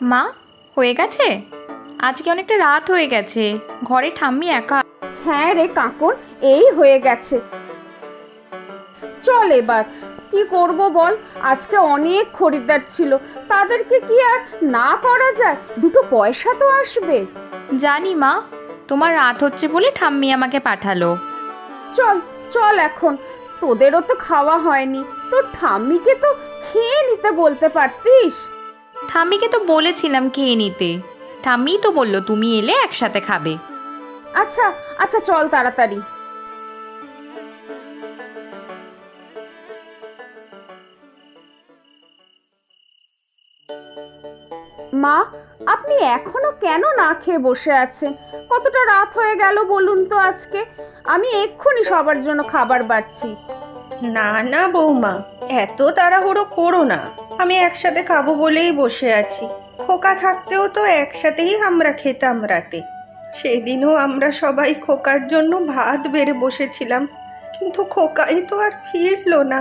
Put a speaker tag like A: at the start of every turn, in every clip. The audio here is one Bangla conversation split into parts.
A: মা, হয়ে গেছে? আজকে অনেকটা রাত হয়ে গেছে, ঘরে ঠাম্মি একা।
B: হ্যাঁ রে কাকন, এই হয়ে গেছে। চল এবার কি করব বল, আজকে অনেক খরিদ্দার ছিল, তাদেরকে কি আর না করা যায়? দুটো পয়সা তো আসবে।
A: জানি মা, তোমার রাত হচ্ছে বলে ঠাম্মি আমাকে পাঠালো।
B: চল চল এখন, তোদেরও তো খাওয়া হয়নি, তোর ঠাম্মিকে তো খেয়ে নিতে বলতে পারতিস।
A: ঠাম্মিকে তো বলেছিলাম খেয়ে নিতে, ঠাম্মিই তো বললো তুমি এলে একসাথে খাবে।
B: আচ্ছা আচ্ছা, চল তাড়াতাড়ি। মা, আপনি এখনো কেন না খেয়ে বসে আছেন? কতটা রাত হয়ে গেল বলুন তো আজকে। আমি এক্ষুনি সবার জন্য খাবার বাড়ছি।
C: না না বৌমা, এত তাড়াহুড়ো করো না। আমি একসাথে খাবো বলেই বসে আছি। খোকা থাকতেও তো একসাথেই আমরা খেতাম রাতে। সেদিনও আমরা সবাই খোকার জন্য ভাত বেড়ে বসেছিলাম, কিন্তু খোকাই তো আর ফিরলো না।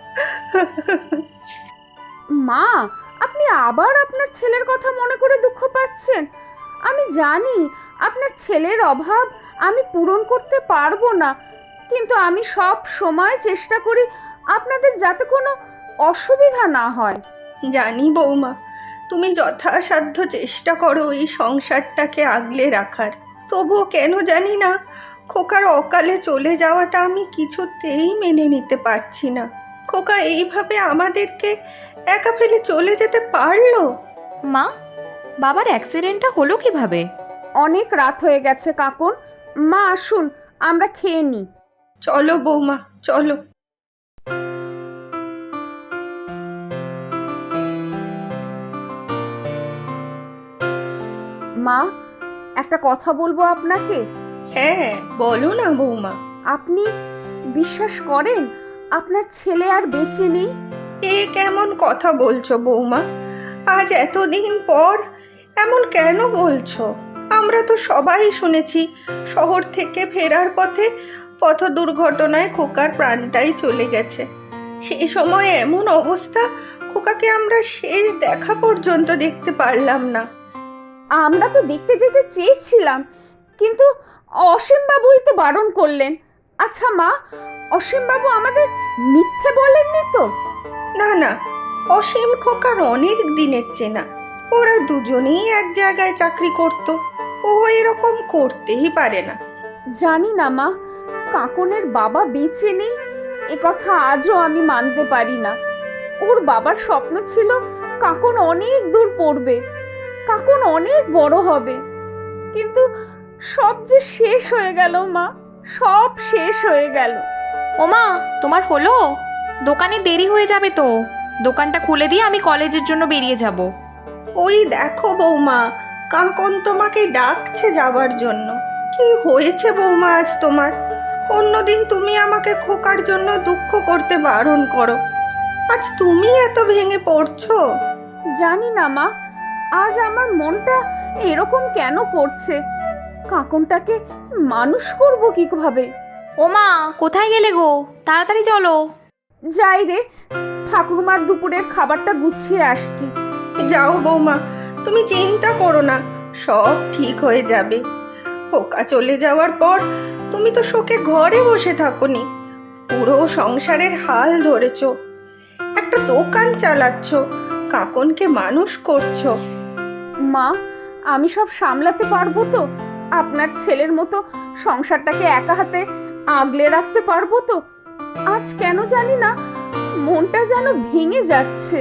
B: মা, আপনি আবার আপনার ছেলের কথা মনে করে দুঃখ পাচ্ছেন। আমি জানি আপনার ছেলের অভাব আমি পূরণ করতে পারবো না, কিন্তু আমি সব সময় চেষ্টা করি আপনাদের যাতে কোনো অসুবিধা না হয়।
C: জানি বৌমা, তুমি যথাসাধ্য চেষ্টা করো এই সংসারটাকে আগলে রাখার। তবুও কেন জানি না, খোকার অকালে চলে যাওয়াটা আমি কিছুতেই মেনে নিতে পারছি না। খোকা এইভাবে আমাদেরকে একা ফেলে চলে যেতে পারলো?
A: মা, বাবার অ্যাক্সিডেন্টটা হলো কিভাবে?
B: অনেক রাত হয়ে গেছে কাকুন, মা আসুন আমরা খেয়ে নিই।
C: চলো বৌমা, চলো।
B: মা, একটা কথা বলবো আপনাকে।
C: হ্যাঁ বলো না বৌমা।
B: আপনি বিশ্বাস করেন আপনার ছেলে আর বেঁচে নেই?
C: এ কেমন কথা বলছো বৌমা? আজ এতদিন পর এমন কেন বলছো? আমরা তো সবাই শুনেছি শহর থেকে ফেরার পথে পথ দুর্ঘটনায় খোকার প্রাণটাই চলে গেছে। সেই সময় এমন অবস্থা, খোকাকে আমরা শেষ দেখা পর্যন্ত দেখতে পারলাম না।
B: আমরা তো দেখতে যেতে চেয়েছিলাম, কিন্তু অসীম বাবুই তো বারণ করলেন। আচ্ছা মা, অসীম বাবু আমাদের মিথ্যে বলেননি তো?
C: না না, অসীম খোকার অনেক দিনের চেনা। ওরা দুজনেই এক জায়গায় চাকরি করত। ও এরকম করতেই পারে না।
B: জানি না মা, কাকনের বাবা বেঁচে নেই এ কথা আজও আমি মানতে পারি না। ওর বাবার স্বপ্ন ছিল কাকন অনেক দূর পড়বে, কাকন অনেক বড় হবে, কিন্তু সব যে শেষ হয়ে গেল মা, সব শেষ হয়ে গেল।
A: ও মা, তোমার হলো? দোকানে দেরি হয়ে যাবে তো, দোকানটা খুলে দিয়ে আমি কলেজের জন্য বেরিয়ে যাব।
C: ওই দেখো বৌমা, কাকন তোমাকে ডাকছে যাবার জন্য। কি হয়েছে বৌমা আজ তোমার? অন্যদিন তুমি আমাকে খোকার জন্য দুঃখ করতে বারণ করো, আজ তুমি এত ভেঙে পড়ছো।
B: জানি না মা, আজ আমার মনটা এরকম কেন করছে। কাকনটাকে মানুষ করব কিভাবে?
A: ও মা, কোথায় গেলে গো? তাড়াতাড়ি চলো।
B: যাই রে, ঠাকুরমার দুপুরের খাবারটা গুছিয়ে আসছি।
C: যাও বৌমা, তুমি চিন্তা করো না, সব ঠিক হয়ে যাবে। খোকা চলে যাওয়ার পর তুমি তো শোকে ঘরে বসে থাকোনি, পুরো সংসারের হাল ধরেছ, একটা দোকান চালাচ্ছ, কাকনকে মানুষ করছো।
B: মা, আমি সব সামলাতে পারবো তো? আপনার ছেলের মতো সংসারটাকে একা হাতে আগলে রাখতে পারবো তো? আজ কেন জানি না মনটা যেন ভেঙে যাচ্ছে।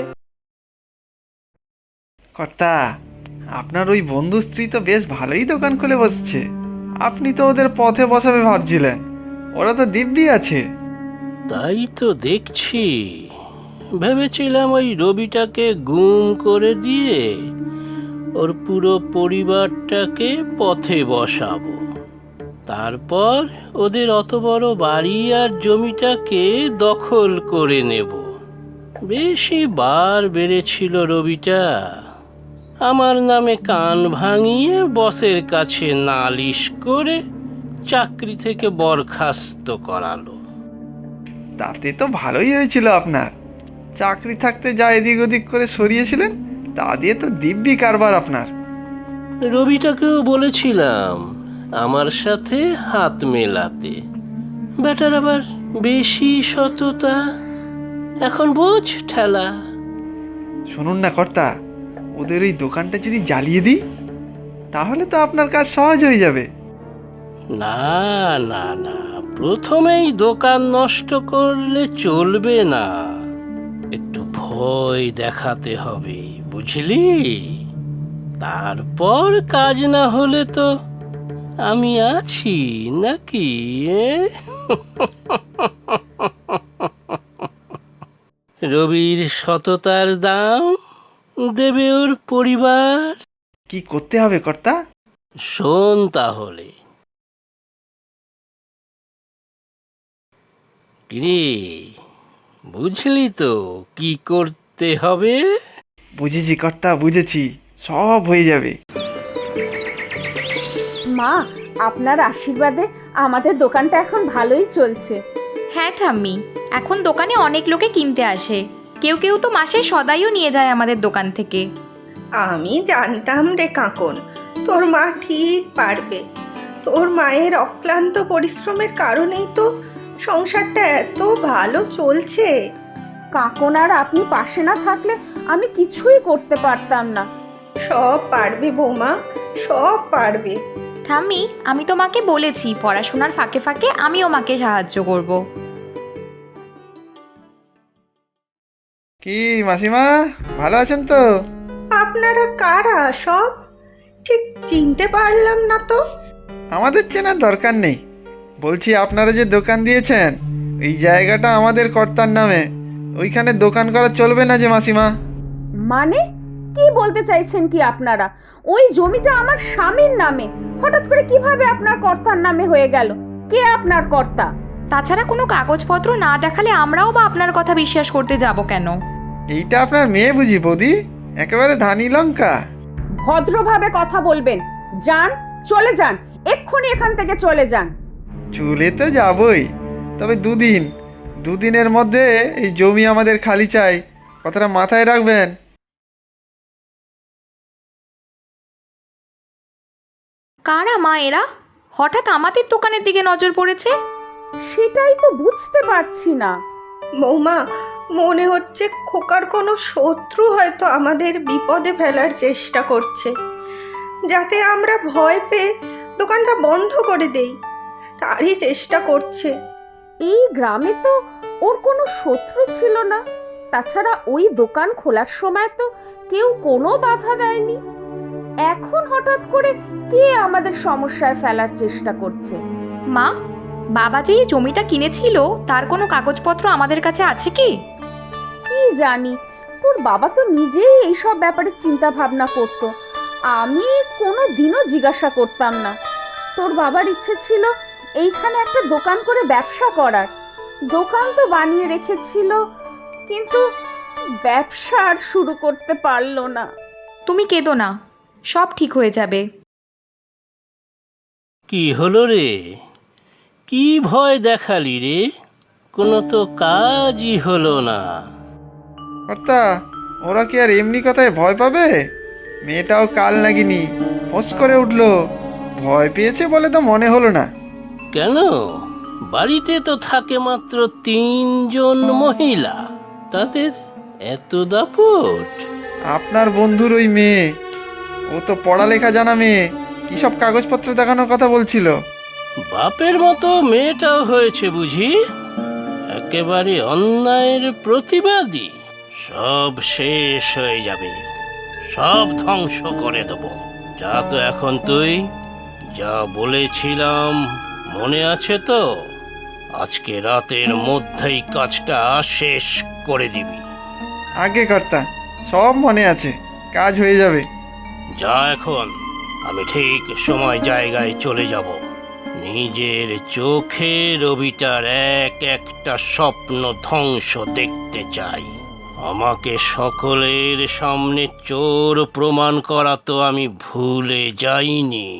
D: কর্তা, আপনার ওই বন্ধু স্ত্রী তো বেশ ভালোই দোকান খুলে বসছে। আপনি তো ওদের পথে বসাবে ভাবছিলেন, ওরা তো দিব্যি আছে।
E: তাই তো দেখছি। ভেবেছিলাম ওই রবিটাকে গুম করে দিয়ে ওর পুরো পরিবারটাকে পথে বসাবো, তারপর ওদের অত বড় বাড়ি আর জমিটাকে দখল করে নেব। বেশি বার বেড়েছিল রবিটা, আমার নামে কান ভাঙিয়ে বসের কাছে নালিশ করে চাকরি থেকে বরখাস্ত করালো।
D: তাতে তো ভালোই হয়েছিল আপনার। চাকরি থাকতে যা এদিক ওদিক করে সরিয়েছিলেন, তা দিয়ে তো দিব্যি কারবার আপনার।
E: রবিটাকেও বলেছিলাম আমার সাথে হাত মেলাতে, বেটার আবার বেশি সততা। এখন বোঝ ঠেলা।
D: শুনুন না কর্তা, ওদের ওই দোকানটা যদি জ্বালিয়ে দিই তাহলে তো আপনার কাজ সহজ হয়ে যাবে।
E: না না না, প্রথমেই দোকান নষ্ট করলে চলবে না, একটু ভয় দেখাতে হবে, বুঝলি? তারপর কাজ না হলে তো আমি আছি নাকি? রবির সততার দাম দেবে ওর পরিবার।
D: কি করতে হবে কর্তা?
E: শোন তাহলে। কিরে, বুঝলি তো কি করতে হবে?
D: বুঝেছি কর্তা, বুঝেছি, সব হয়ে যাবে।
B: মা, আপনার আশীর্বাদে আমাদের দোকানটা এখন ভালোই চলছে।
A: হ্যাঁ ঠাম্মি, এখন দোকানে অনেক লোকে কিনতে আসে। কেউ কেউ তো মাসে সদাইও নিয়ে যায় আমাদের দোকান থেকে।
C: আমি জানতাম রে কাকন, তোর মা ঠিক পারবে। তোর মায়ের অক্লান্ত পরিশ্রমের কারণেই তো সংসারটা এত ভালো চলছে।
B: কাকন আর আপনি পাশে না থাকলে আমি কিছুই করতে পারতাম না।
C: সব পারবে বৌমা, সব পারবে।
A: ঠাম্মি, আমি তো মাকে বলেছি পড়াশোনার ফাঁকে ফাঁকে আমিও মাকে সাহায্য করব।
D: কি মাসিমা, ভালো আছেন তো?
C: আপনারা কারা সব? ঠিক চিনতে পারলাম না তো।
D: আমাদের চেনার দরকার নেই। বলছি, আপনারা যে দোকান দিয়েছেন এই জায়গাটা আমাদের কর্তার নামে, ওইখানে দোকান করা চলবে না যে মাসিমা?
B: মানে কি বলতে চাইছেন কি আপনারা? ওই জমিটা আমার স্বামীর নামে, হঠাৎ করে কিভাবে আপনার কর্তার নামে হয়ে গেল? কে আপনার কর্তা?
A: তাছাড়া কোনো কাগজপত্র না দেখালে আমরাও বা আপনার কথা বিশ্বাস করতে যাব কেন?
D: এইটা আপনার মেয়ে বুঝি বৌদি? একেবারে ধানি লঙ্কা।
B: ভদ্রভাবে কথা বলবেন। যান, চলে যান, এক্ষুনি এখান থেকে চলে যান।
D: চলে তো যাবই, তবে দুদিনের মধ্যে এই জমি আমাদের খালি চাই, কথাটা মাথায় রাখবেন।
A: কারা মা এরা? হঠাৎ আমাদের দোকানের দিকে নজর পড়েছে।
B: সেটাই তো বুঝতে পারছি না।
C: বৌমা, মনে হচ্ছে খোকার কোনো শত্রু হয়তো আমাদের বিপদে ফেলার চেষ্টা করছে, যাতে আমরা ভয় পেয়ে দোকানটা বন্ধ করে দেই, তারই চেষ্টা করছে।
B: এই গ্রামে তো ওর কোনো শত্রু ছিল না। তাছাড়া ওই দোকান খোলার সময় তো কেউ কোনো বাধা দেয়নি। এখন হঠাৎ করে কে আমাদের সমস্যায় ফেলার চেষ্টা করছে?
A: মা, বাবা যে এই জমিটা কিনেছিল তার কোনো কাগজপত্র আমাদের কাছে আছে কি?
B: কি জানি, তোর বাবা তো নিজেই এইসব ব্যাপারে চিন্তা ভাবনা করত। আমি কোনো দিনও জিজ্ঞাসা করতাম না। তোর বাবার ইচ্ছে ছিল এইখানে একটা দোকান করে ব্যবসা করার। দোকান তো বানিয়ে রেখেছিল, কিন্তু ব্যবসা আর শুরু করতে পারলো না।
A: তুমি কেঁদো না, সব ঠিক হয়ে যাবে।
E: কি হলো রে? কি ভয় দেখালি রে? কোনো তো কাজই হলো না।
D: কর্তা, ওরা কি আর এমনি কথায় ভয় পাবে? মেয়েটাও কাল নাগিনি, ফোঁস করে উঠলো। ভয় পেয়েছে বলে তো মনে হলো না।
E: কেন? বাড়িতে তো থাকে মাত্র 3 জন মহিলা, তাদের এত দাপট?
D: আপনার বন্ধুর ওই মেয়ে, ও তো পড়ালেখা জানা মেয়ে, কি সব কাগজপত্র দেখানোর কথা বলছিল।
E: বাপের মতো মেয়েটাও হয়েছে বুঝি? একেবারে অন্যায়ের প্রতিবাদী। সব শেষ হয়ে যাবে, সব ধ্বংস করে দেব। যা তো এখন তুই, যা বলেছিলাম মনে আছে তো? আজকে রাতের মধ্যেই কাজটা শেষ করে দিবি।
D: আগে কর্তা, সব মনে আছে, কাজ হয়ে যাবে।
E: যা এখন, আমি ঠিক সময় জায়গায় চলে যাব। নিজের চোখে রবিটার একটা স্বপ্ন ধ্বংস দেখতে চাই। আমাকে সকলের সামনে চোর প্রমাণ করা তো আমি ভুলে যাইনি।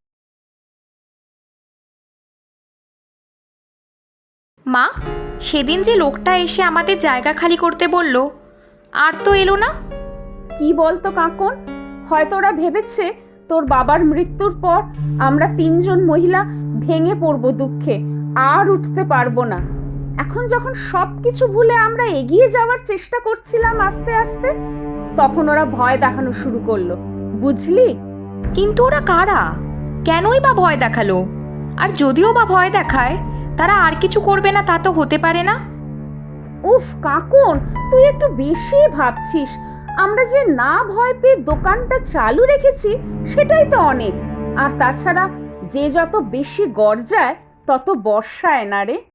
A: মা, সেদিন যে লোকটা এসে আমাদের জায়গা খালি করতে বলল, আর তো এলো না।
B: কি বলতো কাকন, হয়তো ওরা ভেবেছে তোর বাবার মৃত্যুর পর আমরা তিনজন মহিলা ভেঙে পড়বো দুঃখে, আর উঠতে পারবো না। এখন যখন সবকিছু ভুলে আমরা এগিয়ে যাওয়ার চেষ্টা করছিলাম আস্তে আস্তে, তখন ওরা ভয় দেখানো শুরু করলো, বুঝলি?
A: কিন্তু ওরা কারা? কেনই বা ভয় দেখালো? আর যদিও বা ভয় দেখায়, তারা আর কিছু করবে না তা তো হতে পারে না।
B: উফ কাকন, তুই একটু বেশি ভাবছিস। আমরা যে না ভয় পেয়ে দোকানটা চালু রেখেছি সেটাই তো অনেক। আর তাছাড়া যে যত বেশি গর্জায় তত বর্ষায় না রে।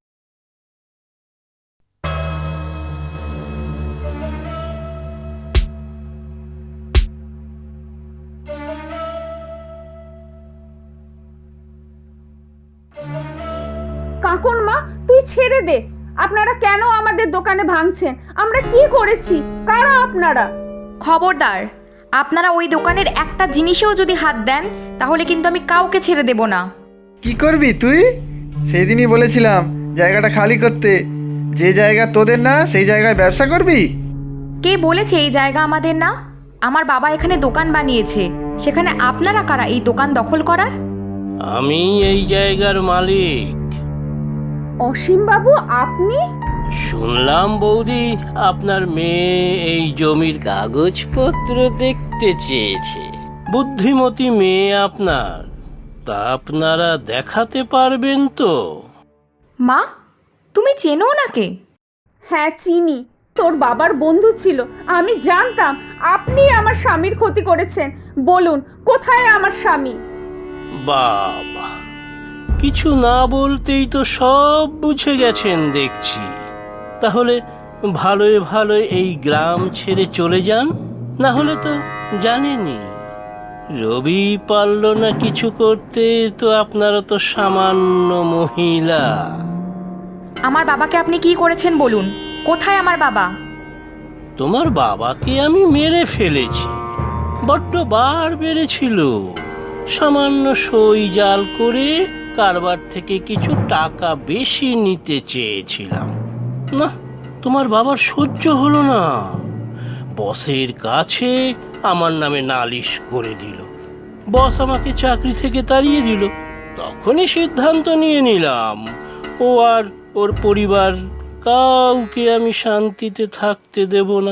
B: কাকন মা, তুই ছেড়ে দে। আপনারা কেন আমাদের দোকানে ভাঙছেন? আমরা কি করেছি? কারা আপনারা?
A: খবরদার, আপনারা ওই দোকানের একটা জিনিসেও যদি হাত দেন তাহলে কিন্তু আমি কাউকে ছেড়ে দেব না।
D: কি করবি তুই? সেই দিনই বলেছিলাম জায়গাটা খালি করতে। যে জায়গা তোদের না সেই জায়গায় ব্যবসা করবি?
A: কে বলেছে এই জায়গা আমাদের না? আমার বাবা এখানে দোকান বানিয়েছে, সেখানে আপনারা কারা এই দোকান দখল করার?
E: আমি এই জায়গার মালিক।
B: অসীম বাবু, আপনি?
E: শুনলাম বৌদি আপনার মেয়ে এই জমির কাগজপত্র দেখতে চেয়েছে। বুদ্ধিমতী মেয়ে আপনার, তা আপনারা দেখাতে পারবেন তো?
A: মা, তুমি চেনো ওনাকে?
B: হ্যাঁ চিনি, তোর বাবার বন্ধু ছিল। আমি জানতাম আপনি আমার স্বামীর ক্ষতি করেছেন। বলুন, কোথায় আমার স্বামী?
E: বাবা, কিছু না বলতেই তো সব বুঝে গেছেন দেখছি। তাহলে ভালোই ভালোই এই গ্রাম ছেড়ে চলে যান, না হলে তো জানেনি রবি পারল না কিছু করতে, তো আপনারা তো সামান্য মহিলা।
A: আমার বাবাকে আপনি কি করেছেন বলুন? কোথায় আমার বাবা?
E: তোমার বাবাকে আমি মেরে ফেলেছি। বড্ড বার বেড়েছিল। সামান্য সই জাল করে কারবার থেকে কিছু টাকা বেশি নিতে চেয়েছিলাম, না তোমার বাবার সহ্য হলো না। বসের কাছে আমার নামে নালিশ করে দিল। বস আমাকে চাকরি থেকে তাড়িয়ে দিল। তখনই সিদ্ধান্ত নিয়ে নিলাম ও আর ওর পরিবার কাউকে আমি শান্তিতে থাকতে দেব না।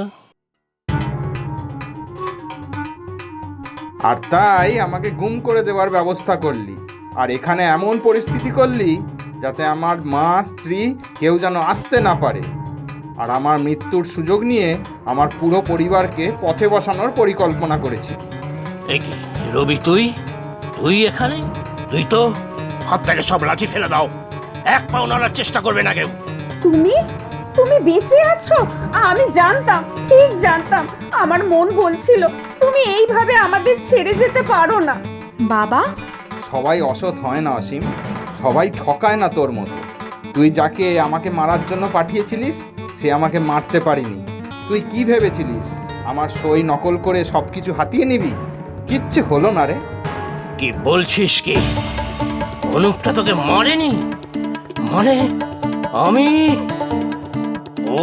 F: আর তাই আমাকে গুম করে দেওয়ার ব্যবস্থা করলি, আর এখানে এমন পরিস্থিতি করলি যাতে আমার মা স্ত্রী কেউ যেন আসতে না পারে। আর আমার মৃত্যুর সুযোগ নিয়ে আমার পুরো পরিবারকে পথে বসানোর পরিকল্পনা করেছি।
E: এ কি রবি, তুই এখানে? তুই তো হাত থেকে সব লাঠি ফেলে দাও, এক পাও নড়ার চেষ্টা করবে না কেউ।
B: তুমি তুমি বেঁচে আছো? আমি জানতাম, ঠিক জানতাম। আমার মন বলছিল তুমি এইভাবে আমাদের ছেড়ে যেতে পারো না।
A: বাবা,
F: সবাই অসৎ হয় না অসীম, সবাই ঠকায় না তোর মতো। তুই যাকে আমাকে মারার জন্য পাঠিয়েছিলিস সে আমাকে মারতে পারিনি। তুই কি ভেবেছিলিস আমার সই নকল করে সব কিছু হাতিয়ে নিবি? কিচ্ছু হলো না রে।
E: কি বলছিস কি? অনুপটা তোকে মরেনি? মানে আমি? ও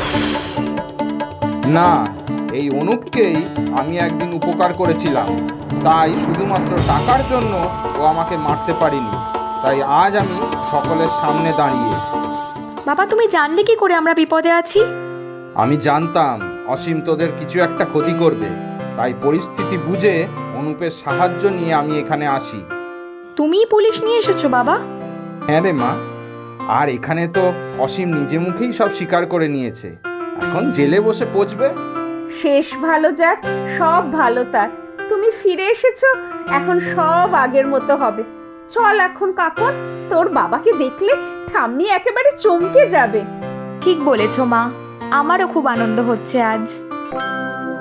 F: না, এই অনুপকেই আমি একদিন উপকার করেছিলাম, তাই শুধুমাত্র টাকার জন্য ও আমাকে মারতে পারিনি। তাই আজ আমি সকলের সামনে দাঁড়িয়ে।
A: বাবা তুমি জানলে কি করে আমরা বিপদে আছি?
F: আমি জানতাম অসীম তোদের কিছু একটা ক্ষতি করবে, তাই পরিস্থিতি বুঝে অনুপের সাহায্য নিয়ে আমি এখানে আসি।
A: তুমিই পুলিশ নিয়ে এসেছো বাবা?
F: হ্যাঁ রে মা, আর এখানে তো অসীম নিজে মুখেই সব স্বীকার করে নিয়েছে। এখন জেলে বসে পচবে।
B: শেষ ভালো যার, সব ভালো তার। তুমি ফিরে এসেছো, এখন সব আগের মতো হবে। চল এখন কাকন, তোর বাবাকে দেখলে ঠাম্মি একেবারে চমকে যাবে।
A: ঠিক বলেছো মা, আমারও খুব আনন্দ হচ্ছে আজ।